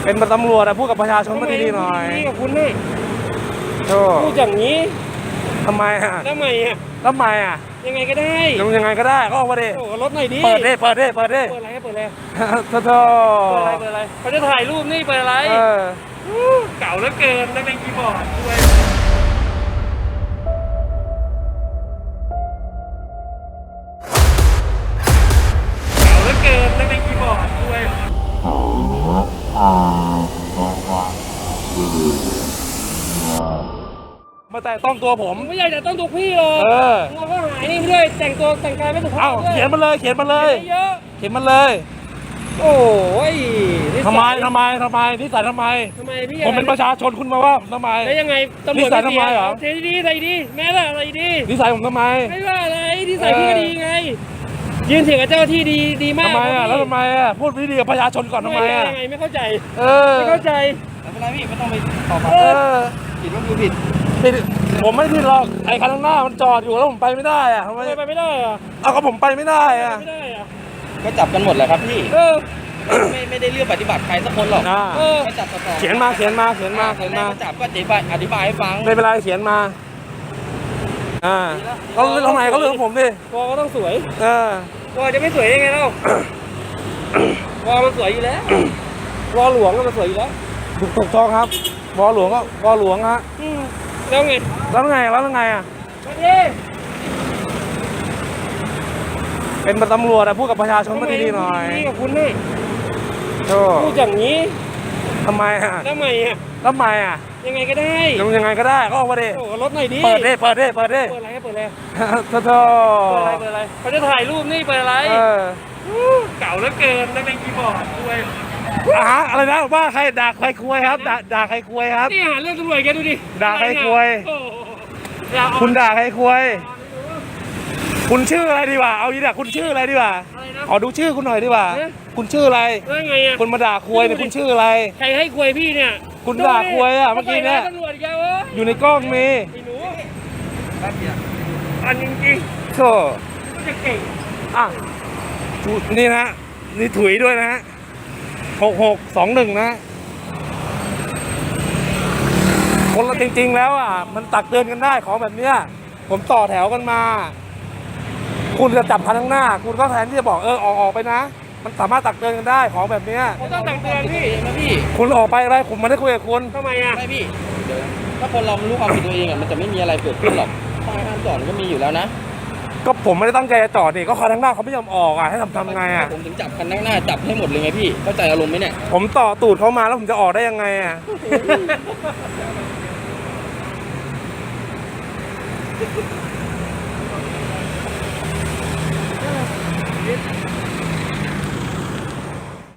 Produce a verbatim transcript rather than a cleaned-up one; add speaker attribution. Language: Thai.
Speaker 1: เป็นตำรวจอะพูดกับประชาชนมาดีๆหน่อย
Speaker 2: นี่กับคุณนี่พูดอย่างนี้
Speaker 1: ทำไมอะ
Speaker 2: ทำไมอะ
Speaker 1: ทำไมอะ
Speaker 2: ยังไงก็ได้
Speaker 1: ยังไงก็ได้ก็ออกมาดิ
Speaker 2: โอ้รถหน่อยดิ
Speaker 1: เปิดดิเปิดดิเปิดดิ
Speaker 2: เปิดอะไรเปิดอะไร
Speaker 1: โธ่โธ่
Speaker 2: เปิดอะไรเปิดอะไรเขาจะถ่ายรูปนี่เปิดอะไรเก่าเหลือเกินนักเลงคีย์บอร์ดด้วยเก่าเหลือเกินนักเลงคีย์บอร์ดด้วย
Speaker 1: มาแต่ต้องตัวผม
Speaker 2: ไม่อยากจะต้องตัวพี่หรอกเราก็หายนี่ด้วยแต่งตัวแต่งกายไม่ถูกต้อง
Speaker 1: เขียนมาเลยเขียนมาเลย
Speaker 2: เยอะ
Speaker 1: เขียนมาเลย
Speaker 2: โอ้ย
Speaker 1: ทำไมทำไมทำไมนิสัยทำไม
Speaker 2: ทำไมพี่
Speaker 1: ผมเป็นประชาชนคุณมาว่าทำไม
Speaker 2: แล้วยังไงตำรวจ
Speaker 1: นิสัยทำไมเหรอ
Speaker 2: เทดีใส่ดีแม่ละอะไรดี
Speaker 1: นิสัยผมทำไม
Speaker 2: ไม่ว่าอะไรนิสัยพี่ก็ดีไงยืนเถียงกับเจ้าที่ดีดีมาก
Speaker 1: ทำไมอ่ะแล้วทำไมอ่ะพูดวิธีกับประชาชนก่อนทำไมอ่ะ
Speaker 2: ยังไงไม่เข้าใจ
Speaker 1: เออ
Speaker 2: ไม่เข้าใจ
Speaker 3: ไม่เป็นไรพี่ไม่ต้องไปตอบมาผิดว่าคือผิด
Speaker 1: ผิดผมไม่ผิดหรอกไอ้คันข้างหน้ามันจอดอยู่แล้วผมไปไม่ได้อ่ะทำไม
Speaker 2: ไปไม่ได้อ่ะ
Speaker 1: เอาก็ผมไปไม่ได้อ่ะ
Speaker 2: ไม่ได้อ่ะ
Speaker 3: ก็จับกันหมดแหละครับพี่
Speaker 2: เออ
Speaker 3: ไม่ไม่ได้เลือกปฏิบัติใครสักคนหรอกก็จับต่อ
Speaker 1: เขียนมาเขียนมาเขียนมาเขียนมา
Speaker 3: จับก็อธิบายอธิบายให้ฟัง
Speaker 1: ไม่เป็นไรเขียนมาอ่าเขาทำไมเขาเลือกผมดิ
Speaker 2: วอก็ต้องสวย
Speaker 1: เออ
Speaker 2: วอจะไม่สวยยังไงเล่า วอมันสวยอยู่แล้ววอหลวงก็มันสวยอยู่แล้ว
Speaker 1: ถูกถูกต้องครับวอหลวงก็วอหลวงฮะ
Speaker 2: แล้วไง
Speaker 1: แล้วไงแล้วไงอ่ะเป็นตำรวจอะพูดกับประชาชนมาดีๆหน่อย
Speaker 2: นี่กับคุณนี่พูดอย่างนี้
Speaker 1: ทำไมอะ
Speaker 2: ทำไมอะ
Speaker 1: ทำไมอะ
Speaker 2: ยังไงก็ได้
Speaker 1: ยังไงก็ได้ก็ออกมาดิ
Speaker 2: โอ้รถหน่อยดิ
Speaker 1: เปิดดิเปิดดิเปิดดิ
Speaker 2: เปิดอะไรเปิดอะไร
Speaker 1: โธ่โธ่
Speaker 2: เปิดอะไรเปิดอะไรเขาจะถ่ายรูปนี่เปิดอะไรเก่าเหลือเกินนักเลงคีย์บอร์ดด้วย
Speaker 1: อ่ะอะไรนะว่าใครด่าใครคุยครับด่าด่าใครคุยครับ
Speaker 2: นี่หาเรื่องตำรวจแกดูดิ
Speaker 1: ด่าใครคุยคุณด่าใครคุยคุณชื่ออะไรดีกว่าเอาอีกอ่ะคุณชื่ออะไรดีกว่าขอดูชื่อคุณหน่อยดีกว่าคุณชื่ออะไรคุณมาด่าคุยเนี่ยคุณชื่ออะไร
Speaker 2: ใครให้คุยพี่เนี่ย
Speaker 1: คุณด่าคุยอ่ะเมื่อกี้เนี่ยอยู่ในกล้องมี
Speaker 2: อันจริง
Speaker 1: ๆโธ่
Speaker 2: จะเก่ง
Speaker 1: อ่ะนี่นะนี่ถุยด้วยนะฮะหกหกสองหนึ่งนะคนเราจริงๆแล้วอ่ะมันตักเตือนกันได้ของแบบเนี้ยผมต่อแถวกันมาคุณจะจับคันข้างหน้าคุณก็แทนที่จะบอกเออออกออกไปนะมันสามารถตักเตือนกันได้ของแบบเนี้ย
Speaker 2: ผมต้องตักเตือนพี่นะพี่
Speaker 1: คุณออกไปอะไรผมไม่ได้คุยกับคุณ
Speaker 2: ทำไมอ่ะ
Speaker 3: ไม่พี่ถ้าคนเรารู้ความผิดตัวเองอ่ะมันจะไม่มีอะไรเกิดขึ้นหรอกป้ายห้ามจอดก็มีอยู่แล้วนะ
Speaker 1: ก็ผมไม่ได้ตั้งใจจะจอดนี่ก็คันข้างหน้าเขาไม่ยอมออกอ่ะให้ทำทำไงอ่ะ
Speaker 3: ผมถึงจับคันข้างหน้าจับให้หมดเลยไงพี่เข้าใจอารมณ์ไหมเนี่ย
Speaker 1: ผมต่อตูดเขามาแล้วผมจะออกได้ยังไงอ่ะ